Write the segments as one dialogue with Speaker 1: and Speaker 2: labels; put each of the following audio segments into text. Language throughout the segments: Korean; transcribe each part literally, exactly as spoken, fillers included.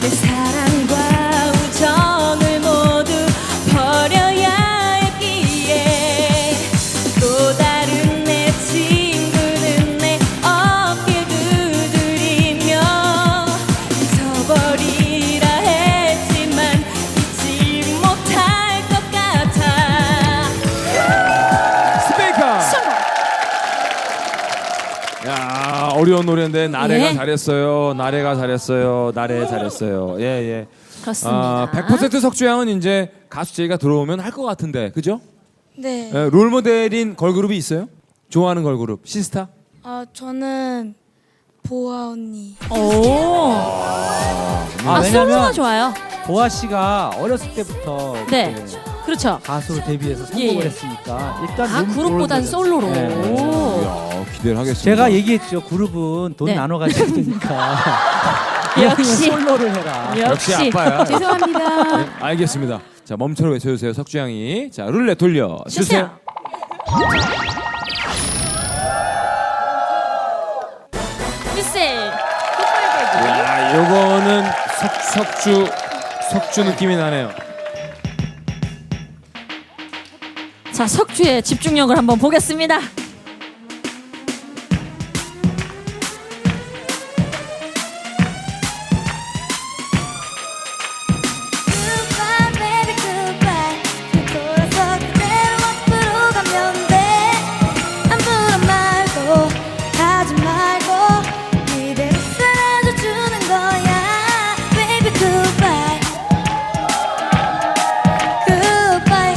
Speaker 1: 내 사랑과 우정을 모두 버려야 했기에 또 다른 내 친구는 내 어깨 두드리며 잊어버리라 했지만 잊지 못할 것 같아.
Speaker 2: 스페이커. 야, 어려운 노래인데 나래가
Speaker 1: 예.
Speaker 2: 잘했어요. 나래가 잘했어요. 나래 잘했어요. 예, 예.
Speaker 1: 그렇습니다.
Speaker 2: 아, 백 퍼센트 석주양은 이제 가수 제이가 들어오면 할 것 같은데, 그죠?
Speaker 3: 네.
Speaker 2: 예, 롤 모델인 걸그룹이 있어요? 좋아하는 걸그룹 시스타?
Speaker 3: 아 저는 보아 언니.
Speaker 1: 오.
Speaker 4: 아,
Speaker 1: 아, 솔로가
Speaker 4: 왜냐면
Speaker 1: 좋아요.
Speaker 4: 보아 씨가 어렸을 때부터
Speaker 1: 네.
Speaker 4: 이렇게
Speaker 1: 그렇죠.
Speaker 4: 가수로 데뷔해서
Speaker 1: 예,
Speaker 4: 성공을
Speaker 1: 예.
Speaker 4: 했으니까 일단
Speaker 1: 아,
Speaker 4: 롤-
Speaker 1: 그룹보단
Speaker 4: 롤
Speaker 1: 솔로로.
Speaker 4: 모델. 네.
Speaker 1: 오.
Speaker 2: 야, 기대를 하겠습니다.
Speaker 4: 제가 얘기했죠. 그룹은 돈
Speaker 1: 네.
Speaker 4: 나눠 가지고 되니까.
Speaker 1: 역시.
Speaker 4: 솔로를 해라.
Speaker 2: 역시 아빠야.
Speaker 1: 죄송합니다.
Speaker 2: 네, 알겠습니다. 자, 멈춰 외쳐주세요, 석주양이. 자, 룰렛 돌려 주세요.
Speaker 1: 미셀.
Speaker 2: 야, 요거는 석, 석주 석주 느낌이 나네요.
Speaker 1: 자, 석주의 집중력을 한번 보겠습니다.
Speaker 3: Goodbye baby goodbye. 돌아서 그대로 앞으로 가면 돼. 아무런 말도 하지 말고 이대로 사라져 주는 거야. Baby goodbye. Goodbye.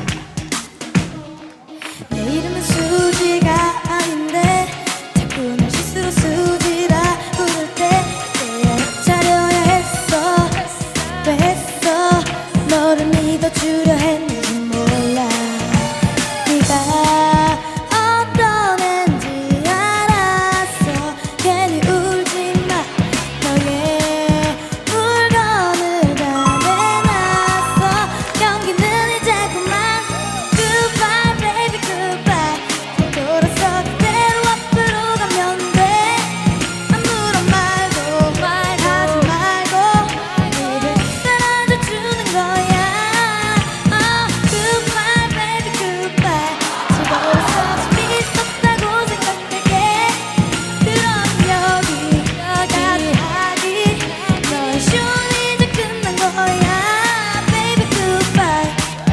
Speaker 3: 내 이름은 수지가 아닌데 자꾸 날 실수로 수지라 부를 때 그때야 차려야 했어. 왜 했어? 너를 믿어주려 했는지 몰라. 네가 어떤 앤지 알았어. 괜히 울지 마. 너의 물건을 다 내놨어. 경기는 이제 그만. Goodbye baby goodbye. 돌아서 그대로 앞으로 가면 돼. 아무런 말도 말하지 말고 이대로 사라져 주는 거야. Oh goodbye baby goodbye. 즐거워서 재밌었다고 생각할게. 그럼 여기 여기까지 하기. 너의 쇼는 이제 끝난 거야. Baby goodbye.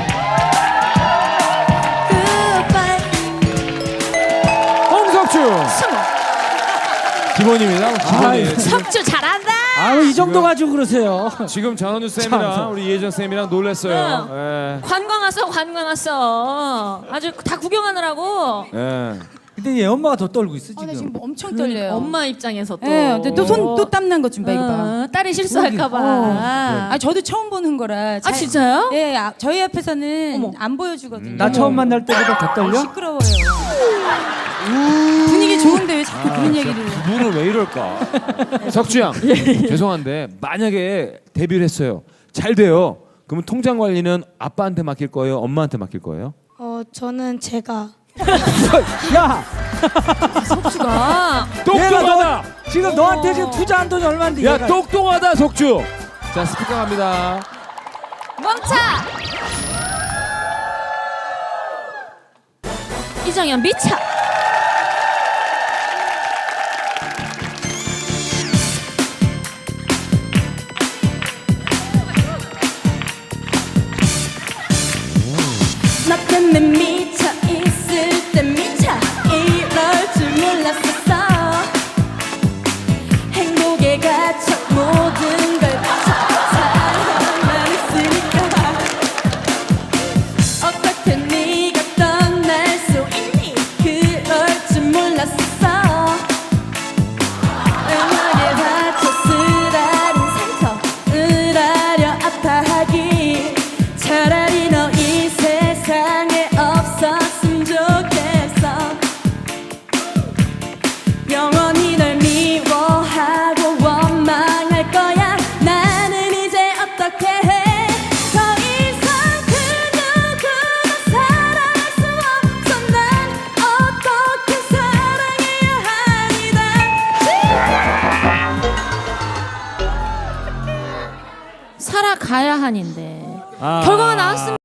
Speaker 3: Goodbye.
Speaker 2: 홍석주
Speaker 1: 승우.
Speaker 2: 기본입니다. 기본이에요.
Speaker 4: 아이,
Speaker 2: 지금,
Speaker 1: 석주 잘한다.
Speaker 4: 아유, 이 정도
Speaker 2: 지금-
Speaker 4: 가지고 그러세요.
Speaker 2: 지금 전원주 쌤이랑
Speaker 4: 참.
Speaker 2: 우리 이혜정 쌤이랑 놀랬어요. 예.
Speaker 1: 관광 왔어, 관광 왔어. 아주 다 구경하느라고.
Speaker 2: 예.
Speaker 4: 근데 얘 엄마가 더 떨고 있어
Speaker 5: 아,
Speaker 4: 지금.
Speaker 5: 나 지금 엄청 떨려요.
Speaker 1: 엄마 입장에서 또.
Speaker 5: 예, 근데 또 손 또 땀난 것 좀 봐, 이거 봐.
Speaker 1: 어, 딸이 실수할까봐.
Speaker 5: 어.
Speaker 1: 아,
Speaker 5: 아, 저도 처음 보는 거라. 잘-
Speaker 1: 진짜요?
Speaker 5: 예, 아, 저희 앞에서는
Speaker 1: 어머.
Speaker 5: 안 보여주거든요.
Speaker 4: 나 처음 만날 때보다 더 떨려?
Speaker 5: 시끄러워요. 분위기 좋은데 왜 자꾸 그런 얘기를?
Speaker 2: 두 분은 왜 이럴까? 석주양 죄송한데 만약에 데뷔를 했어요. 잘 돼요. 그러면 통장 관리는 아빠한테 맡길 거예요? 엄마한테 맡길 거예요?
Speaker 3: 어 저는 제가
Speaker 4: 야,
Speaker 1: 석주가.
Speaker 2: 똑똑하다.
Speaker 4: 지금 너한테 지금 투자한 돈이 얼마인데?
Speaker 2: 야
Speaker 4: 얘가
Speaker 2: 똑똑하다 석주. 자 스피커 갑니다.
Speaker 1: 멈춰. 이정현 미쳐. 나 때문에 미쳐 있을 때 미쳐 이럴 줄 몰랐었어. 행복에 갇혀 모든 걸 바쳐 사랑만 있으니까 어떻게 네가 떠날 수 있니. 그럴 줄 몰랐었어. 음악에 바쳐 쓰라린 상처 으라려 아파하기 차라리 너 이 세상에 없어.
Speaker 6: 살아가야 하는데
Speaker 2: 아.
Speaker 6: 결과가 나왔습니다.